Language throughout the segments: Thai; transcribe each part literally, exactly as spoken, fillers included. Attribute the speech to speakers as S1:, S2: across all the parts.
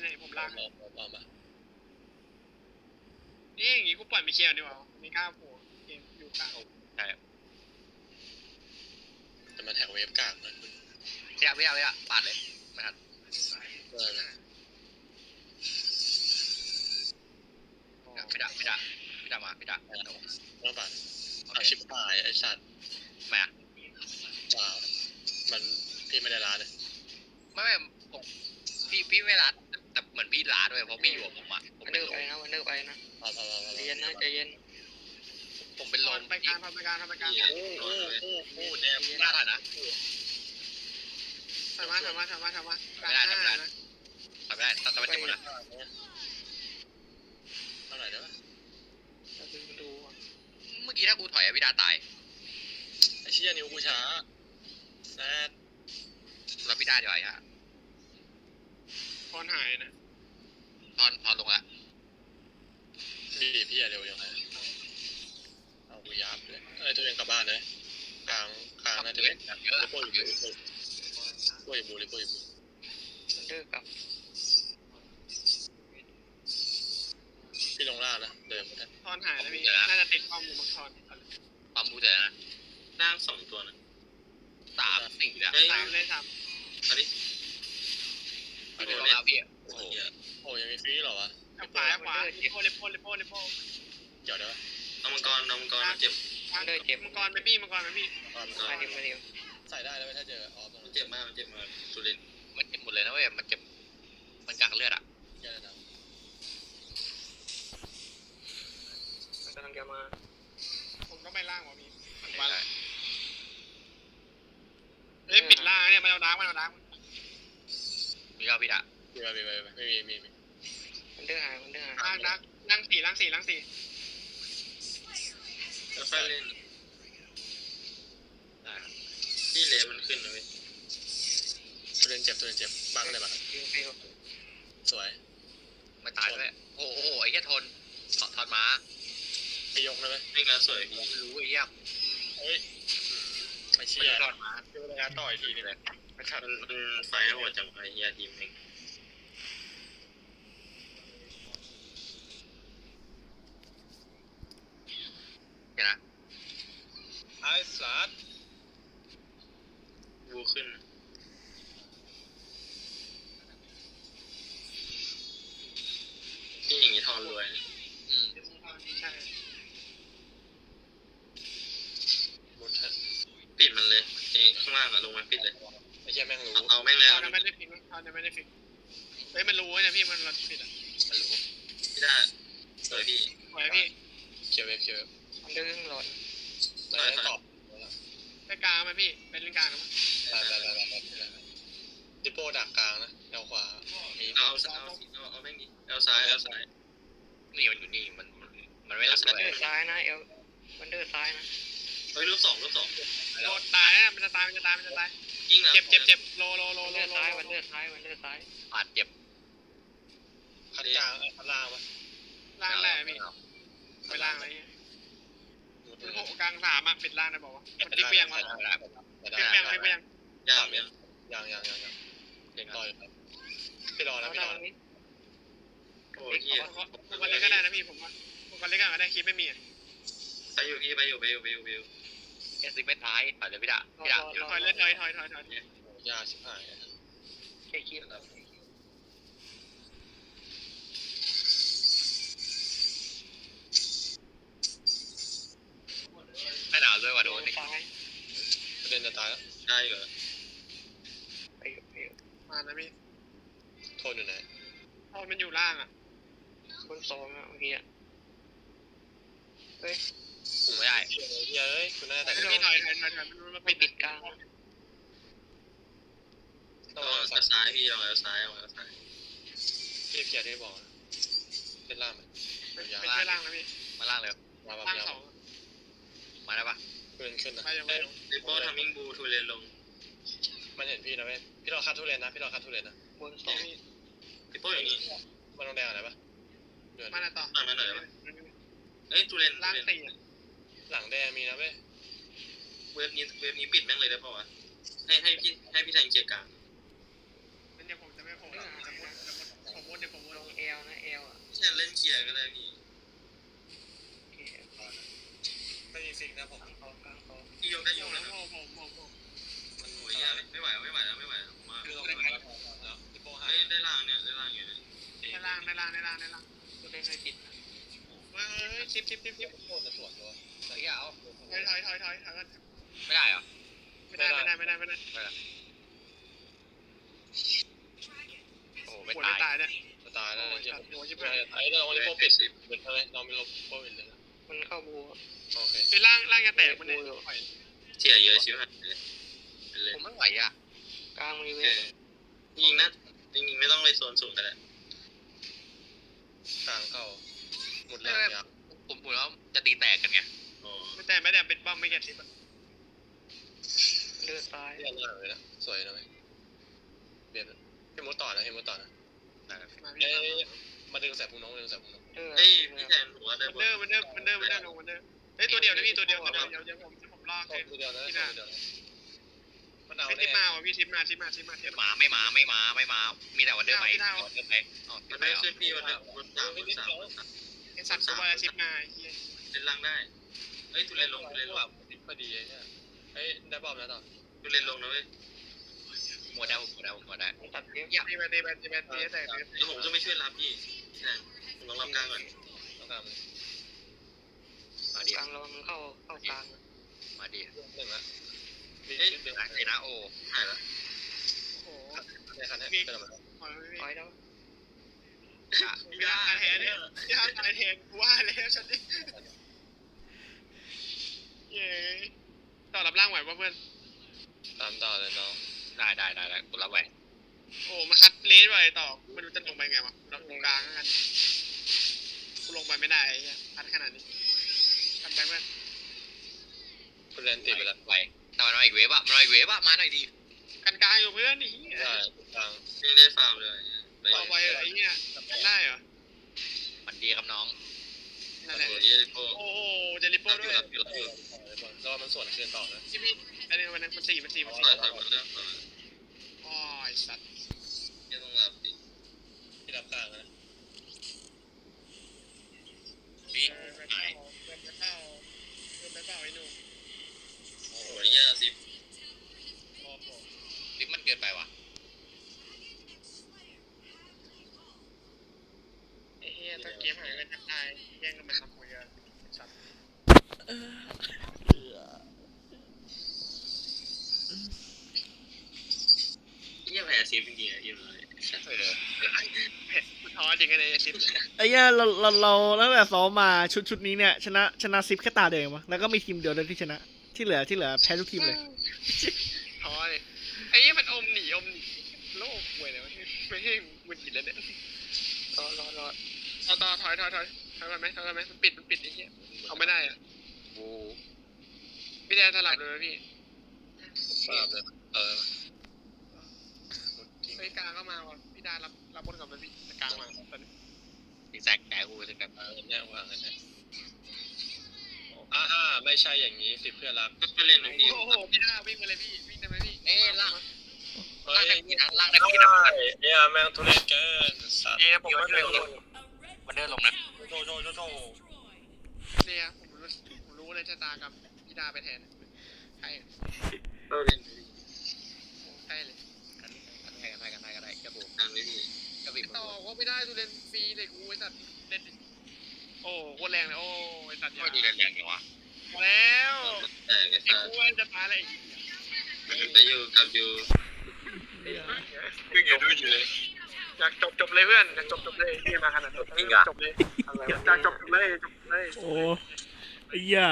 S1: เนี่ยผมลาก
S2: เอาเอามา
S1: นี่อย่างงี้กูปล่อยไม่เชียร์ดีกว่าไม่กล้าโผล่เกมอยู่กลาง
S3: ใช่
S2: แต่มันแท็กเวฟกลางนะคุณ
S3: พี่อะพี่อะพี่อะปาดเลยไม่ทัน
S2: เออ
S3: พี่ดะพี่ดะพี่ดะมาพี่ดะ
S2: เมื่อป่าน
S3: โอ
S2: อา
S3: เค
S2: ชิบหายไอ้สัตว์
S3: ไม่อะ
S2: ว้าวมันพี่ไม่ได้ร้านเลย
S3: ไม่ไม่ผมพี่พี่ไม่รัดแต่เหมือนพี่รัดด้วยเพราะพี่อยู่กับผมอะผม
S4: วัน
S3: เป็
S4: เด
S3: น
S4: อร์
S3: ล
S4: ไป
S3: ม
S4: นะวันเดอร์ไปนะ
S2: เอาเอาเอาเอา
S4: ใจเย็นนะใจเย็น
S3: ผมเป็นลม
S1: ไปกลางทำไปกลางทำไปกลาง
S3: โอ้โหโอ้โหเนี่ยพลาดนะ
S1: ทำมาทำมาทำมาทำมา
S3: ไม่ได้ทำไม่ได้ทำไม่ได้ต้องทำไม่ได้หมดนะ
S2: เท่าไหร่ได้ปะ
S4: เราดูดู
S3: เมื่อกี้ถ้ากูถอยอะพี่ดาตาย
S2: ไอ้เชี่ยนิ้วกูช้าแซด
S3: แล้วพี่ดาดีกว่าฮะ
S1: คอนหายนะ
S3: ตอนตอนลงละ
S2: พี่พี่อย่าเร็วอย่างไรเอากูยับเลยเอ้ยตัวเองกลับบ้านเลยกลางกลางน่าจะ
S3: เย
S2: เล่
S3: อะ
S2: น
S3: เยอะ
S2: ลิโป้อยู่ลิโป้ลิโป้อยู่บูลิโป้อยู่บู
S4: วันเดอร์กับ
S2: พี่ลงล่างนะเดินมาได้
S1: คอนหายแล้วพี่น่าจะติดข้อมูลมังคอน
S3: ปั๊มบูเสร็จนะ
S5: นั่งสองตัวนะ
S3: สามสี่อะ
S5: เฮ้ย
S1: สามเลยสาม
S5: อันนี้
S3: พี่ลงแล้วพี่
S2: โอ้โหโอ้ยังมีฟรีเหรอวะ
S1: ขวาขวาลิโป้ลิโป้ลิโป้ลิโป้
S2: เดี๋ยวเดี๋ยว
S5: น้องมังกรน้องมังกรเจ็บ
S4: วันเดอร์เจ็บ
S1: มังกรไปพี่มังกรไปพี่
S2: ความ
S4: มาดิมาดิ
S2: ใส่ได้แล้วไหมถ้าเจอออฟตรง
S5: มัน
S2: นั้น
S5: เจ็บมากมันเจ็บมากสุรินทร์
S3: มันเจ็บหมดเลยนะเว้ยมันเจ็บมันกลางเลือดอะ
S2: แย่แล้วนะ
S4: มันกำลังจะมา
S1: ผมก็ไม่ล่างว่ะพี่
S3: มาเลย
S1: เอ้ยปิดล่างเนี่ยมันเอาดาร์กมันเอาดาร์ก
S3: มีก็พี่ดา
S2: มีไหมมีไหมไม่มีมีมี
S4: วันเดอร์หายวันเดอร์หาย
S1: ล่างดาร์กล่างสี่ล่างสี่ล่างสี่
S5: แล้วค่อยเล่นที่เลมันขึ้นนะเว้ย
S2: ตัวเล่นเจ็บตัวเล่นเจ็บบังเลยบัง
S4: ยิงไป
S2: สวย
S3: ไม่ตายด้วยโอ้โหไอ้แค่ทนทอนมา
S2: ไปยกเลยไหม
S5: วิ่งแล้วสวยพี่
S3: รู้ไอ้เหี้ย
S2: เฮ้ยไอ้
S3: ไม่
S2: เชี่ย
S3: ใช่ทอนมา
S2: เจอระยะต่อยทีนี่แหละ
S5: มันมันไฟหัวจังไอ้เฮียทีมเอง
S3: เห็นนะ
S2: ไอ้สัตว์
S5: บูขึ้นที่อย่างนี้ทอนรวย
S3: อืม
S1: ใช่
S2: บุญฮะ
S5: ปิดมันเลยไอ้ข้างล่างอะลงมาปิดเลย
S2: ไอ้เชี่ยแม่งรู้
S5: เอาเอาแม่งเลย
S1: ตอนนั้นไม่ได้ฟิกตอนนั้นไม่ได้ฟิกเฮ้ยมันรู้เนี่ยพี่มันเราผิดอ่ะ
S3: มันรู้
S5: พี่ได้สวยพี่
S1: ไหวพี่
S2: เคียวเวฟเคียวเวฟ
S4: วันเดอร์หลอน
S2: ไม่ได้ตอบ
S1: ไปกลางไหมพี่เป็นเล่นกลางนะมั้ง
S2: ได้ได้ได้ได้ได้ดิโป้ดักกลางนะแนวขวามี
S5: เอาเอาเอาเอาแม่งดิเอาซ้ายเอาซ้าย
S3: นี่มันอยู่นี่มันมันไม่รับ
S4: วัน
S3: เล
S4: เดอย ร์ซ้ายนะเอลวันเดอร์ซ้ายนะ
S5: เฮ้ยรูปสองรูปสอง
S1: โดนตายนะมันจะตายมันจะตายมันจะตาย
S5: ยิงนะ
S1: เจ็บเจ็บเจ็บโลโลโล
S4: วัน
S1: โล
S4: เดอร์
S1: โล
S4: ซ้ายวันเดอร์ซ้ายวันเดอร์ซ้าย
S3: ปาดเจ็บ
S2: คัดกลางเออคัดล่างปะ
S1: ล่างแหละพี่ไปล่างอะไรเงี้ยมันหกกลางสามอ่ะปิดล่างได้บอกว่ามันติ๊กไปยังวะ
S3: ไม่ได้
S2: ได้
S1: ติ๊กไปยังติ๊กไปยัง
S5: ยากยัง
S2: ยังยังยังยังเด็กรออยู่ครับพี่รอ
S4: แล้
S2: นะ
S4: ว
S2: พี่ร
S4: เรา
S2: อนะ
S4: นี้
S5: โอ้ยเฮีย
S1: ผมก็เล็กก็ได้นะพี่ผมว่าผมก็เล็กก็ได้คิดไม่มี
S5: ไปอยู่พี่ไปอยู่ไปอยู่ไปอยู่ไปอยู่
S3: เอสซิไม่ท้ายถอยเลยพี่ดาพี่ดา
S1: ถอยเลยถอยถอยถอยถอย
S2: ยากชิบหาย
S4: แค่คิด
S3: ไม่หนาวด้วยว่ะโดน
S4: ซ้าย
S2: ประเด็นจะตายแล้ว
S5: ได้เหรอ
S4: ไปไป
S1: มานะพี่
S2: โทษอยู่ไหน
S1: โทษมันอยู่ล่างอ่ะ
S4: บนสองอะเมื่อกี้อะเฮ้ย
S3: คุมไม่ได้
S2: เฮียเอ้ยคุณน่าจะแต่ง
S1: พี่ถอยถอยถอยถอยมันมา
S4: ไม่
S1: ปิด
S4: ปิดกลาง
S2: ต้อง
S5: เอา
S2: เอาสั
S5: เอา
S2: ก
S5: ซ้ายพี่เอาเอาซ้ายเอาเอาซ้าย
S2: พี่เพียร์ที่บอกเล่นล่างไหม
S1: ไม่ใช่ล่างนะพี่
S3: มาล่างเลย
S2: มาแบบ
S1: ล่าง
S2: ยาว
S1: สอง
S3: มาได้ปะ
S2: ขึ้นขึ้นนะ
S1: ไปยังไปยัง
S5: ลิโป้ทำมิ่งบูทูเลนลง
S2: มันเห็นพี่นะเว้ยพี่รอคัดทุเรียนนะพี่รอคัดทุเรียนนะ
S4: บนสอง
S5: ลิโป้อย่างนี้
S2: มันต้องแดงอะไรปะเดือน
S1: มาหน้าต่อ
S5: มาหน่อยได้ไหมเอ้ยทูเลน
S1: ล่างสี่
S2: หลังแดงมีนะเว้ย
S5: เว็บนี้เว็บนี้ปิดแม่งเลยได้ป่าวะให้ให้พี่ให้พี่แทงเกียร์กลาง
S1: มันจะผมจะไม่โผล่จะมุดจะมุดผมมุด
S5: ลียร์ก็ได้พี่
S4: โอเค
S2: ไม่มีฟิกนะผม
S4: กลางเขากลางเขา
S5: พี่ยกได้ย
S1: โอ้
S5: ก
S1: โห
S5: นะครับ
S1: โอ้โหโอ้โห
S5: มันโอ้ยไม่ไหวไม่ไหวแล้วไม่ไหวแล้วผมว่า
S2: คือเราไม่ได้แล้วแล้วที่โป้หา
S5: เฮ้ยได้ล่างเนี่ยได้ล่างอยู่เนี่ย
S1: ในล่างในล่างในล่างในล่าง
S4: ตัวเล่นให้ติด
S1: เฮ้ยซิปซิปซิปซิป
S2: โคตรจะสวนตัว
S3: เฮ้ยเอา
S1: ถอยถอยถอยถอยถอยกัน
S3: ไม่ได้เหรอ
S1: ไม่ได้ไม่ได้ไม่ได้ไม่ได้
S3: โอ้
S1: หั
S3: ไม่
S1: ว
S3: ตา
S1: จะ
S3: ย
S1: ตายเนี่ย
S2: จะตายแล้ว
S1: โอ้ย
S2: เหี้ย
S1: สัตว์หัวชิบ
S2: ใช่
S1: หาย
S2: ไอ้เราวันนี้โป้ปิดเหมือนอะไรเราไม่ลบโป้ปิดเลยนะ
S4: มันเข้าบู
S2: โอเค
S1: ไอ้ล่างล่างจะแตกมันเนี่ย
S5: เสียเยอะชิบหายเลยเลย
S3: ผมไม่ไหวอ่ะ
S4: กลางมีเว
S5: เอ
S4: ฟ
S5: อยิงนะยิงไม่ต้องเลยโซนสูงก็ได้
S2: กลางเข้าหมดแล้วยับ
S3: ผมผมแล้วจะตีแตกกันไง
S5: อ๋อ
S1: ไม่แต่ไม่แต่เป็นบ้อมไม่แก่ซิป
S4: เลือดตาย
S2: เรียนหน้าเลยนะสวยนะเว้ยเบียดให้มุดต่อนะให้มุดต่อนะ
S1: มาพี่
S2: เอ้ยมาดึงแสบพุงน้องดึงแสบพุงน้อง
S4: เลือด
S5: เฮ้ยพี่แทนผมว่าได้
S1: มัน
S5: บ
S1: เดอร์มันเดอร์มันเดอร์มันเดอร์ลงมันเดอร์เฮ้ยตัวเดียวนะพี่ตัวเดียวตัวเดียวเดี๋ยวเดี๋ยวผมผมลาก
S2: เข้า
S1: ให้
S2: ตัวเดียวนะเข้าตัวเดียวนะมันเอา
S1: ซิ
S2: แน่
S1: ปมาว่ะพี่ซิปมาซิปมาซิปมาซิป
S3: หมาไม่มาไม่มาไม่มา มีแต่วันเดอร์ไปวันเดอร์ไปอ๋อ
S5: มัน
S3: ไป
S5: ได้
S3: เหรอ
S5: ขึ้นพี่มันได้มันสามมันสามมันสาม
S1: ไอ้สัตว์ตัวอะไรซิปมาไอ้เหี้ย
S5: เล่นล่างได้เฮ้ยทุเรนลงทุเรนลง
S2: แบบพอดีไอ้เนี่ยเฮ้ยได้บอมแล้วต่อ
S5: ทุเรนลงนะเว้ย
S3: หมดแล้วหมดแล้วหมดแล้ว
S4: ตัดเวฟ
S1: ตีไปตีไปตีไปตีแต่ตี
S5: เดี๋ยวผมจะไม่ช่วยรับพี่พี่แทนผมต้องรับกลางก่อน
S2: ต้องการมัน
S3: มาดิ
S4: กลางเรามันเข้าเข้ากลาง
S3: มาดิ
S2: หนึ่งละมี
S5: เฮ้ย
S2: นิดเดียว
S3: ไหนนะโอ้
S5: หายละ
S1: โอ้โห
S2: ในคันนี้เป็นอะไร
S1: ถอยไปพี่
S4: ถอยแล้ว
S1: มีร่างการแทนเนี่ยมีร่างการแทนว่าแล้วฉันดิเย้ต่อรับร่างไหวป่ะเพื่อน
S2: ตามต่อเลยน้อง
S3: ได้ได้ได้ได้กูรับไว้
S1: โอ้มาคัดเลสไว้ต่อไม่รู้จะลงไปไงวะเราตรงกลางกันกูลงไปไม่ได้ไอ้เหี้ยคัดขนาดนี้ทำไปเพื่อน
S2: คุณเรียนติดไปแล้ว
S3: ไว้แต่มันมาอีกเวฟอะมันมาอีกเวฟอะมาหน่อยดี
S1: กันกลางอยู่เพื่อนนี่
S2: ได้กลาง
S5: ไม่ได้ฟาร์มเลยไป
S1: ต่อไปไอ้เหี้ยได้เหรอ
S3: มันดีครับน้อง
S1: นั่นแหละ
S5: โอ้ยโอ้
S1: โอ้โหเจลิโป้ด้วย
S5: รับอยู่รับอยู่
S2: รอมันส่วนคืนต่อนะ
S1: ชิมี่อันนี้วันนั้นมันสี่มันสี่มัน
S5: ป
S1: สี่
S5: ล่อยทำมันเรื่อง
S1: อ๋อไอ้สัตว์
S5: ยังต้องรับดิ
S2: ที่รับกลางนะ
S3: พี่
S1: เออไปเป้าเดินไปเป้าเดินไปเป้าไอ้หนุ่ม
S5: โอ้ยยาสิ
S1: โอ้โห
S3: ลิฟมันเกินไปว่ะ
S1: ไอ้เหี้ยถ้าเกมหายกันจะตายแย่งกันมันทำคุยกันสัตว์
S5: ยี่แผลซีฟจริงๆอ่ะยี่เลย
S3: เออ
S1: ท้อจริงกันเลยไอ้ซิป
S6: ไอ้เนี่ยเราเราเราตั้งแต่ซ้อมมาชุดชุดนี้เนี่ยชนะชนะซิปแค่ตาเดียวเองวะแล้วก็มีทีมเดียวเลยที่ชนะ ที่เหลือที่เหลือแพ้ทุกทีมเลย
S1: ท้อเลยไอ้เหี้ยมันอมหนีอมหนีโลกป่วยเลยวะไม่ใช่มึนกินแล้วเนี่ย
S4: รอรอรอ
S1: เอาต่อถอยถอยถอยถอยกันไหมถอยกันไหมมันปิดมันปิดไอ้เหี้ยเอาไม่ได้อ่ะ
S3: บู
S1: พี่แดนสลับเลยไหมพี่
S2: ทราบเลยเออ
S1: เฮ้ยกลางก็มาว่ะพี่ดารับรับบนกับมันพี่กลางมาตอนนี้
S3: ดีแซกแกกูถึงแบบ
S2: เออเนี่ยวางกันนะอ่าไม่ใช่อย่างนี้สิเพื่อนรัก
S5: ก็เล่นนะพี่
S1: โอ้โหพี่ดาวิ่งมาเลยพี่วิ่งได้ไหมพี่
S3: เอ้ล่าง
S2: เฮ้
S3: ล่าง
S2: ย
S3: ได้พี่นะล่างได้พี่นะ
S2: เนี่ยแม่งทุเรศเกินสัตว์
S3: เอ้ผมมันเดินลงมันเดินลงนะ
S2: โชว์โชว์โชว์โชว์
S1: เนี่ยผมรู้ผมรู้เลยชะตากรรมพี่ดาไปแทนใช่
S5: ก็เล่น
S1: ใช่เลย
S3: กันกันได้กันได้กันได้กันได้กระบุก
S5: ทางนี้พี่
S3: กระบี่
S1: ต่อว่าไม่ได้ดูเล่นฟรีเลยกูไอ้สัตว์เล่นโอ้โคตรแรงเลยโอ้ไอ้สัตว์
S3: ไม่ดีเลยอย่างนี้วะ
S1: มาแล้ว
S5: แต่ไอ้
S1: ไอ้
S5: สัต
S1: กู
S5: ว์
S1: ว่าจะตายเลย
S5: ไปอยู่กับอยู่
S2: วิ่งอยู่ด้วยอยู่เลย
S1: อยากจบจบเลยเพื่อนอยากจบจบเลยที่มาขนาดนี้จบเลยอยากจบจบเลยจบเลย
S6: โอ้ไอ้เหี้ย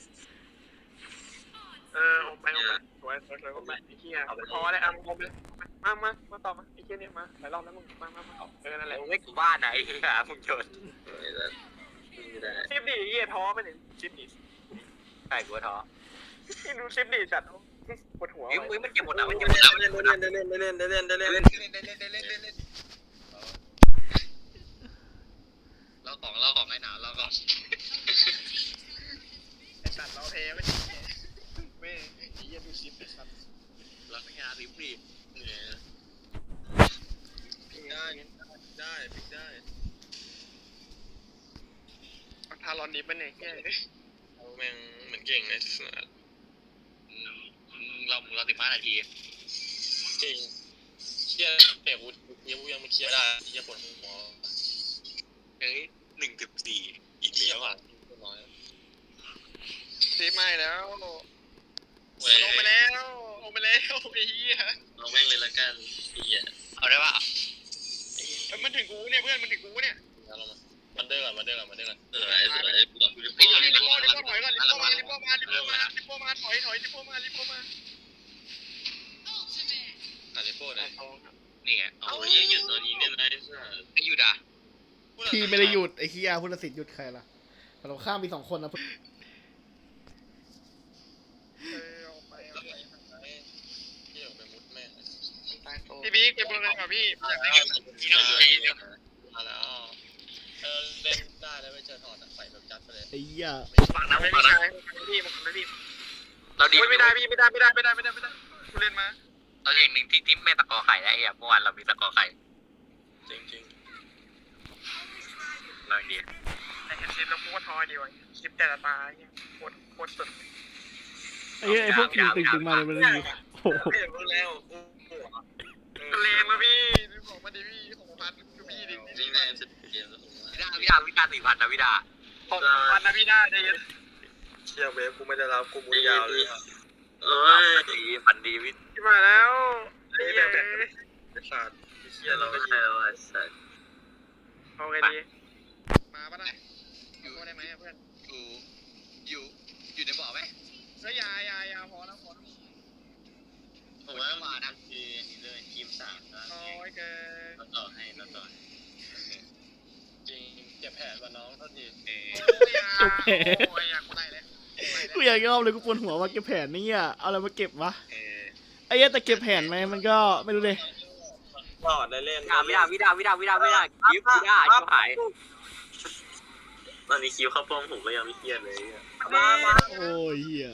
S1: เออออกไปออกไปสวยสวยสวยออกไปไอ้เหี้ยพอแล้วอ่ะมึงออกไปมามามาต่อมาไอ้เหี้ยเนี่ยมาหลายรอบแล้วมึงมามามาเออนั่นแหละ
S3: ไม่กูบ้านไหนฮะมึงเชิญ
S5: ไอ้สัตว์ไม่ได้
S1: ชิปดิเหี้ยท้อไปเนี่ยชิปดิ
S3: ใช่กูท้อ
S1: ที่ดูชิปดิจัดปวดหัว
S3: เฮ้ยมึงมันเก็บหมดแล้วมันเก็บหมดแล้ว
S5: เล่นเล่นเล่นเล่นเล่นเล่นเล่นเล่น
S3: เล่นเล่นเล่นเล่นเล่นเล่นเล่นเราของเราของไอ้หนาวเราของ
S1: ไอ้สัตว์เราเทไม่ใช่ไม่ไอ้เหี้ยดูชิปไอ้สัตว์
S3: เราไม่งานริบรี
S2: เนี่ยได้ได้พลิกได้
S1: ทารอนดิบมันเนี่ยเหี้ย
S2: เอาแม่งเหมือนเก่งในสนาม
S3: อืมอืมเราเราสิบห้านาที
S2: จริงเครียดแต่กูยังยังไม่เครียดได้เครียดปวดหัว
S3: เฮ้ยหนึ่งสิบสี่อีก
S2: เครีย
S3: แล้
S2: ด
S3: ว
S2: ว่ะ
S3: อ่ะ
S2: น้อย
S1: ซีไม่แล้ว
S5: เว้ย
S1: ลงไปแล้วลงไปแล้วไอ้เหี้ย
S5: เอาแม่งเลยละกันพี่อ่ะ
S3: เอาได้ป่ะ
S1: เอ้ยมันถึงกูเนี่ยเพื่อนมันถึงกูเนี่ย
S2: แล้วเรามามันเดินก่อนมันเดินก่อนมันเดินก่อน
S5: สวยสวยกูรับกูจะ
S1: ลิ
S5: พูด
S1: โป้ลิโป้ลิโป้ถอยก่อนลิโป้มาลิโป้มาลิโป้มาลิโป้มาถอยถอยลิโป้มาลิโป้มา
S2: อาริโป้เนี่ย
S3: นี่ไง
S5: เอาเยอะอยู่ตอนนี้เนี่ยนะไอ้สัส
S3: ไม่หยุดอ่ะ
S6: พี่ไม่ได้หยุดไอ้เฮียพุทธศิษย์หยุดใครล่ะเราข้ามมีสองคนนะ
S1: เออออกไปออกไป
S2: พี่ออกไปมุดแม่ง
S4: ตายโต
S1: พี่บิ๊กเก็บเลยค่ะพี่อยากได้
S3: พี่น้องเลย
S2: มาแล้วเออเล่นได้แล้วไปเจอถอดใส่แบบจัดไปเลย
S6: ไอ้เหี้ย
S3: ฟังนะ
S1: ไม่
S3: ฟัง
S1: ได้
S3: นะ
S1: พี่มันไม่พี่
S3: เราดี
S1: ไม่ได้พี่ไม่ได้ไม่ได้ไม่ได้ไม่ได้ไม่ได้กูเล่นมา
S3: เราอย่างหนึ่งที่ที่ไม่ตะกอไข่ได้ไอ้เมื่อวานเรามีตะกอไข่
S2: จริงจริง
S3: เราดี
S1: ไอ้เห็นซิปแล้วกูก็ทอยดีว่ะคลิปแต่ละตาเนี่ยโคตรโคตรสุด
S6: ไอ้เหี้ยไอ้พวกตึงตึงตึงมาเลยมันเลยโอ้โห
S5: เปลี่ยนมึงแล้วกู
S1: เลงมาพี่บอกมาดิพี่ของพันดูพี่ดิ
S5: นี่นายสุดเกมแล้วผม
S3: วิดาวิดาวิดาสี่พันนะวิดา
S1: ของพันนะพี่ได้ได้ยัน
S5: เชี่ยเวฟกูไม่ได้รับกูมุดยาวเลยเอ้ย
S3: ดีพันดีวิ
S1: ที่มาแล้วไอ้เหี้ย
S5: ไอ้สัตว์เชี่ยเราไม่ใช่แล้วไอ้สัตว์
S1: เอาไงดีมาปะนะอยู่ได้ไหมเพื่อน
S3: อยู่อยู่อยู่ในบ่อไหม
S1: เฮ้ยยายายาพอแล้วพอแล้ว
S5: ผมว่ามานะคือนี่เลยทีมสามนะ
S1: โอ้ยเกิน
S5: เราต่อให้เราต่อ
S2: จริงเจ็บแผลกว่าน้องเท่าที
S3: เออ
S1: โอ้ยยาโอ้ยอยากกูได้เลย
S6: กูอยากยอมเลยกูปวดหัวว่าเก็บแผนนี่อ่ะเอาอะไรมาเก็บวะ
S3: เออ
S6: ไอ้เหี้ยแต่เก็บแผนไหมมันก็ไม่รู้เลย
S5: ต่อได้เล่น
S3: วิดาวิดาวิดาวิดาวิดาวิดาวิดาวิดาชิบหาย
S5: ตอนนี้คิวเข้าป้อมผมก็ยังไม่เครียดเลย
S1: มามา
S6: โอ้ยเหี้ย